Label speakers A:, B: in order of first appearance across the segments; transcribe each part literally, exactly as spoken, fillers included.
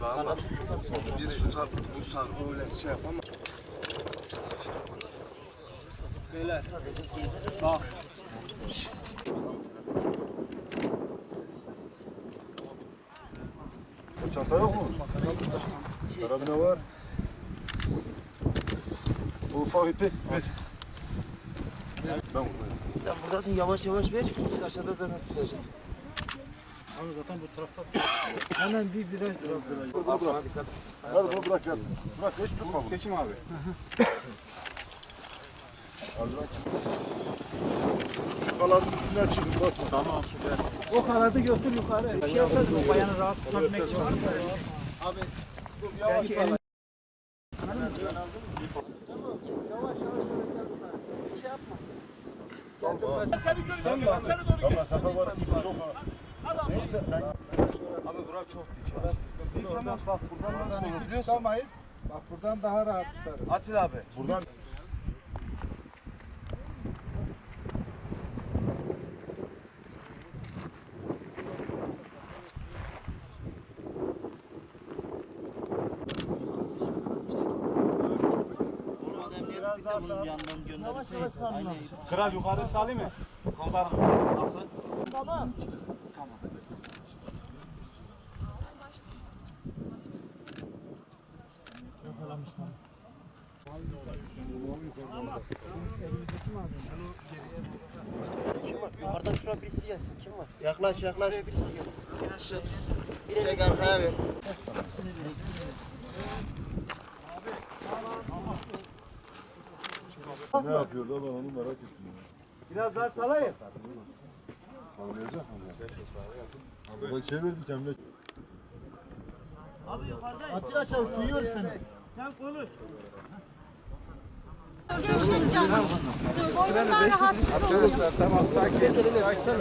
A: Valla biz tutar bulsak öyle şey yapamam.
B: Beyler bak.
C: Çanta yok mu? Karabine var. Bu ufak ipi ver. Ben buradayım.
B: Sen buradasın, yavaş yavaş ver. Biz aşağıda zaten tutacağız.
D: Abi zaten bu tarafta
B: Hemen bir viraj dur.
C: Bunu bırak. Hadi bunu bırak gelsin. Bırak hiç tutma bunu.
D: Kekim abi.
C: Al bırak. Şu kalanın üstünden çıkın basma.
D: Tamam süper.
B: O kanadı götür yukarı. Bir şey yapsana.
D: O bayanı rahat tutabilmek için var mı?
B: Abi
C: Yavaş
B: belki
C: yavaş.
B: elini... Yavaş yavaş bir şey yapma.
C: Sal bana. Seni görüyorum. Seni doğru gel. Ama sefer var. Çok
A: Abi bura çok dik ya.
E: Dik ama bak buradan nasıl tutamayız. Bak buradan daha rahat tutarız.
A: Atil abi.
C: buradan.
B: Yavaş yavaş salla.
D: Kral yukarı salayım mı? Komutanım nasıl?
B: Tamam.
D: Tamam.
B: Yakalamışlar. Yukarıdan şuraya birisi gelsin. Kim var?
A: Yaklaş yaklaş.
B: Şuraya birisi gelsin. Bir aşağı.
A: Tek arkaya ver.
C: Ne yapıyorlar ben onu merak ettim.
E: Biraz daha salayım.
C: Kavlayacak mı? Bak şey ver bir tane.
B: Abi yukarıdayım.
E: Atilla Çavuş duyuyor seni.
B: Sen konuş.
F: Gevşet canım. Boynundan rahat.
E: Arkadaşlar tamam sakin. Sakin.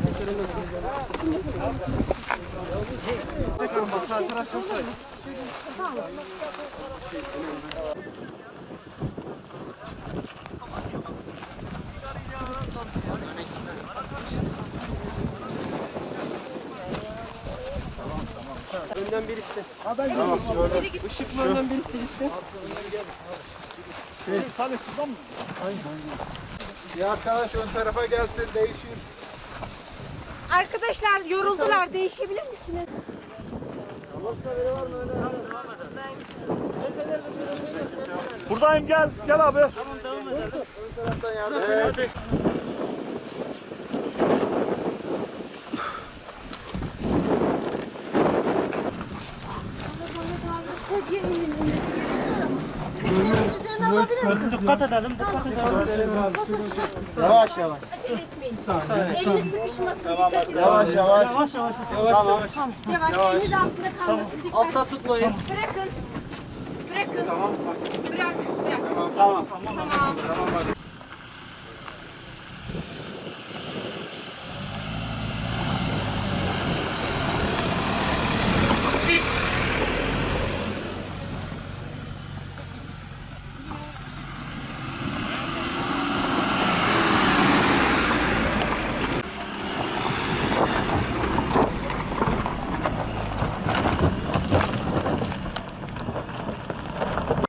B: Önden birisi.
C: Tamam şöyle.
B: Işıklı önden birisi gitsin.
D: Salih şuradan mı?
E: Bir arkadaş ön tarafa gelsin değişir.
F: Arkadaşlar yoruldular. Değişebilir misiniz?
D: Buradayım gel. Gel abi.
B: Hadi.
F: Sedye inin inmesi gerekiyor. Üzerine alabilir misin?
B: Dikkat edelim. Dikkat edelim.
E: Yavaş yavaş.
F: Acele etmeyin. Elini sıkışmasın. Dikkat edin.
E: Yavaş yavaş.
B: Yavaş yavaş. Yavaş yavaş.
F: Yavaş. Eliniz altında kalmasın. Dikkat
B: Altta tutmayın.
F: Bırakın. Bırakın. Bırak. Bırak.
B: Tamam.
F: Tamam.